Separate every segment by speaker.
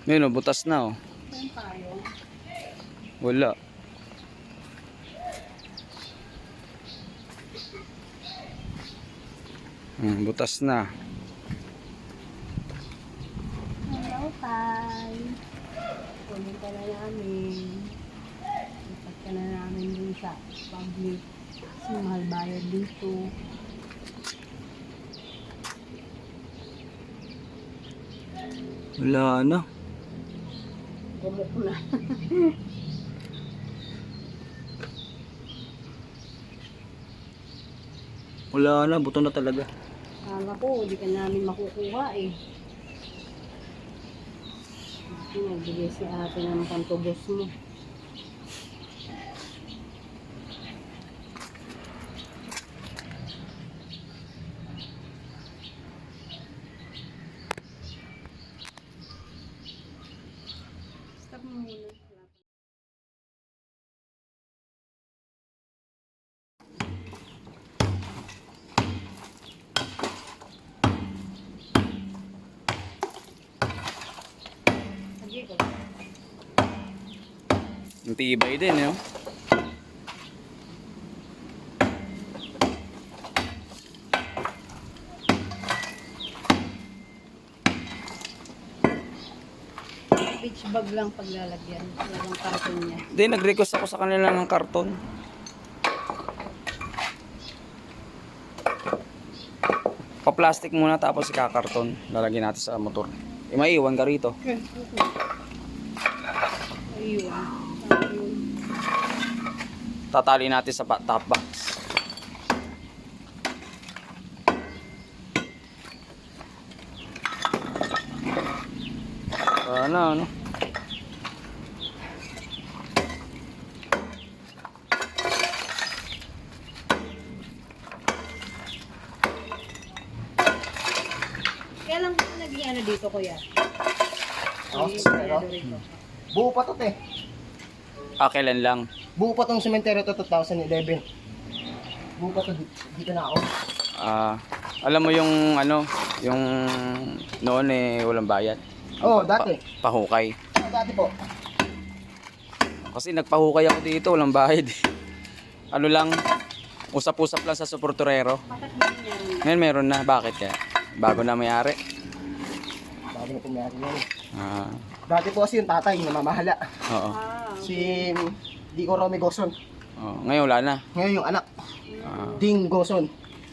Speaker 1: Yun o, butas na o.
Speaker 2: Saan tayo?
Speaker 1: Wala. Butas na.
Speaker 2: Hello, Tay. Kunin ka na namin. Ipat ka na namin dun sa public. Kasi mahal bayad dito.
Speaker 1: Wala na.
Speaker 2: Gumuk na.
Speaker 1: Wala na, buto na talaga.
Speaker 2: Kala ko, hindi ka namin makukuha eh. Nagbigay si ate ng pantubos mo. Stop mo muna. Sige ko.
Speaker 1: Ang tibay din, yun.
Speaker 2: Beach bag lang paglalagyan. Walang karton niya.
Speaker 1: Hindi, nag-request ako sa kanila ng karton. Pa-plastic muna tapos ika-karton. Lalagyan natin sa motor. Maiiwan ka rito.
Speaker 2: Ayun.
Speaker 1: Tatali natin sa top box. Ano?
Speaker 2: Kailan ko naging ano dito, kuya?
Speaker 3: Oh, pero buo pa to, te.
Speaker 1: Kailan lang?
Speaker 3: Buo pa tong sementeryo to 2011. Buo pa to, dito na ako.
Speaker 1: Alam mo yung ano, yung noon eh walang bayad.
Speaker 3: Oo, dati.
Speaker 1: Pahukay.
Speaker 3: Dati po.
Speaker 1: Kasi nagpahukay ako dito, walang bayad. Ano lang, usap-usap lang sa suporturero.
Speaker 2: Bakit ba nangyari?
Speaker 1: Ngayon meron na, bakit kaya? Bago na may-ari.
Speaker 3: Bago na pumayari yan.
Speaker 1: Ah,
Speaker 3: Dati po kasi yung tatay, namamahala.
Speaker 1: oo.
Speaker 3: Si Dico Romy Goson.
Speaker 1: Ngayon wala na.
Speaker 3: Ngayon yung anak,
Speaker 1: Ah,
Speaker 3: Ding Goson.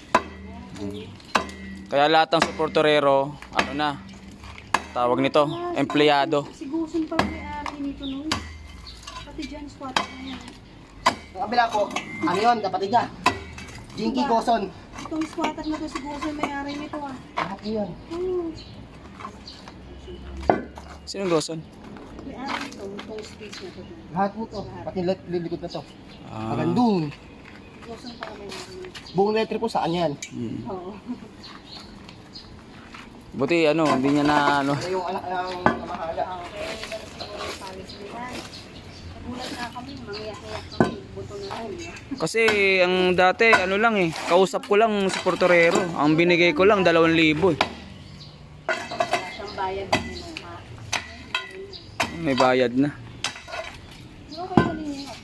Speaker 1: kaya lahat ng suporturero, ano na, tawag nito, empleyado.
Speaker 2: Si Guson pa may-ari nito noon. Pati dyan, squatter na yan.
Speaker 3: Ang kabila po, ano yun, kapatid niya. Jinky Goson.
Speaker 2: Itong squatter na to si Guson may-ari nito ah.
Speaker 3: Lahat yun.
Speaker 2: Oh,
Speaker 1: Sinong Goson?
Speaker 2: may-ari nito, itong space na to.
Speaker 3: Lahat po to. Pati lilikod na to.
Speaker 1: Ah,
Speaker 3: Magandun.
Speaker 2: Guson pa may-ari nito.
Speaker 3: Buong letter po saan yan.
Speaker 2: Oo.
Speaker 1: Buti ano, hindi niya na ano.
Speaker 3: Ano yung anak ng namahala.
Speaker 2: Okay, siguro yung palis nila. Nagulat na kami, mangyak-yak kami, buto na rin.
Speaker 1: Kasi ang dati, ano lang eh, kausap ko lang suporturero. Ang binigay ko lang, 2,000 eh.
Speaker 2: Wala siyang bayad na kinuha.
Speaker 1: May bayad na.
Speaker 2: Okay na rin yun.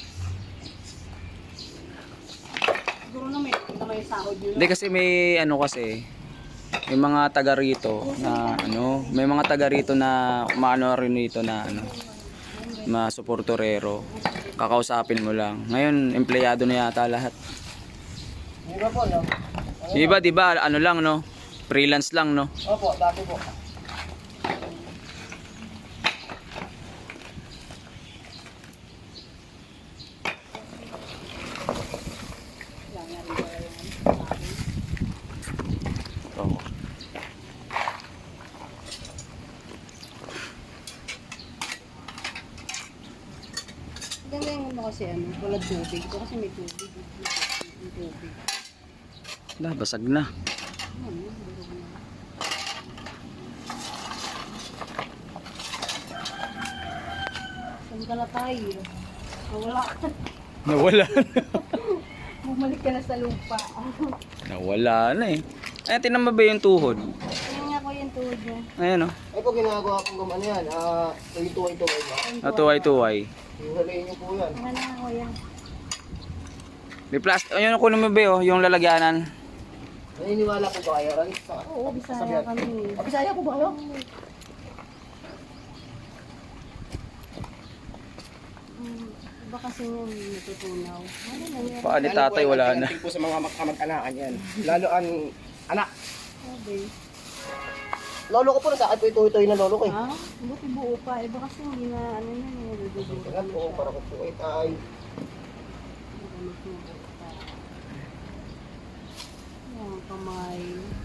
Speaker 2: Siguro na may sahod yun.
Speaker 1: Hindi kasi may ano kasi, may mga taga rito na ano, may mga taga rito na maano rin dito na ano, mga suporturero. Kakausapin mo lang. Ngayon, empleyado na yata lahat.
Speaker 3: Di ba po, no?
Speaker 1: Di ba, ano lang no? Freelance lang no?
Speaker 3: Opo, dati po.
Speaker 1: Oo.
Speaker 2: Ganda yung ano kasi ano, wala tubig. Ito kasi may tubig. May tubig.
Speaker 1: Basag na.
Speaker 2: Ano, durog na. Saan ka na tayo? Wala ka.
Speaker 1: Nawala na.
Speaker 2: Bumalik ka na sa lupa.
Speaker 1: Nawala na eh. Ay, tinan mo ba yung tuhod?
Speaker 2: Kaya nga ko yung tuhod mo.
Speaker 1: Ayan oh.
Speaker 3: Ay po, ginagawa kong gumano yan. Tuwing-tuwing-tuwing ba?
Speaker 1: Tuway-tuway.
Speaker 3: Hiwalayin niyo po yan.
Speaker 2: Ano na ako yan?
Speaker 1: May plastic. Ayun ang kunin mo ba oh, yung lalagyanan.
Speaker 3: Naniniwala po ba kayo? Rani?
Speaker 2: Oo, Bisaya kami.
Speaker 3: Bisaya po ba kayo?
Speaker 2: Iba kasi yung natutunaw. Ano na yan?
Speaker 1: Paali tatay wala na.
Speaker 3: po sa mga kamag-anakan yan. Lalo ang anak.
Speaker 2: Sabi.
Speaker 3: Lolo ko po na sa akin po ito na lolo ko eh.
Speaker 2: Ha? Buti buo pa. Iba kasi hindi na ano na nilulubugan
Speaker 3: Kaya po, para ko po ay tay.
Speaker 2: Magamit mo buo pa. Yan, kamay.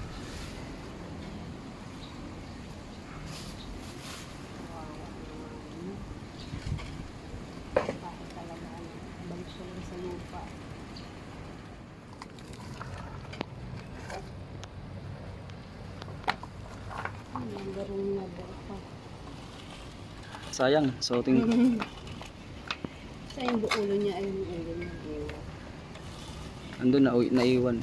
Speaker 2: Kawawa naman. Bakit talaga ano? Balik siya lang sa lupa. Ang garong na pa.
Speaker 1: Sayang, suotin.
Speaker 2: Sa yung ulo niya ay yung ulo niya. Ewan.
Speaker 1: Andun na, naiwan.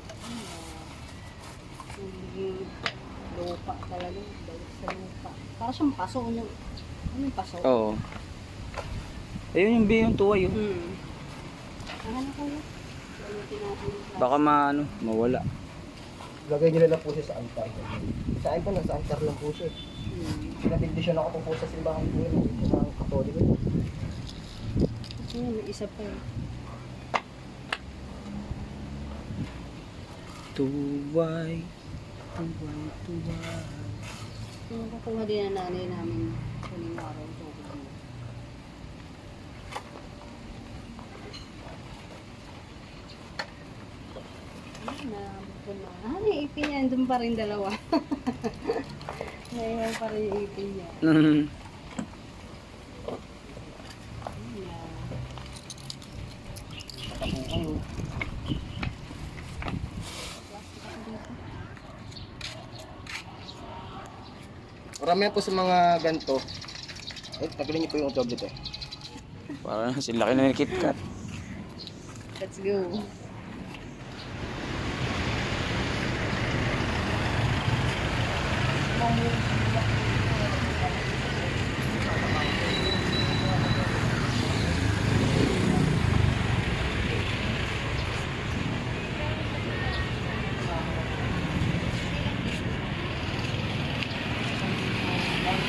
Speaker 2: Nagiging lupa talaga. Balik sa lupa. Para siyang paso. Ano yung paso?
Speaker 1: Oo. Ayun yung yung tuway oh.
Speaker 2: Ano ko yun? Gamitin natin yung plastic.
Speaker 1: Baka mawala.
Speaker 3: Lagay nila lang po siya sa altar. Sa akin po, nasa altar lang po siya. Pinabindisyon ako po sa simbahan po yun. Sa mga katoliko.
Speaker 2: Kasi nga, may isa pa eh.
Speaker 1: Tuway. Tuway, tuway.
Speaker 2: Yung kukuha din na nanay namin huling araw. Tubig mo. Naabot ko na. Yung ipin niya. Doon pa rin dalawa. Naiwan pa rin yung ipin niya.
Speaker 3: Marami po sa mga ganito. Eh, tagalin niyo po yung tablet eh.
Speaker 1: Parang sila na yung KitKat.
Speaker 2: Let's go. Mamuli.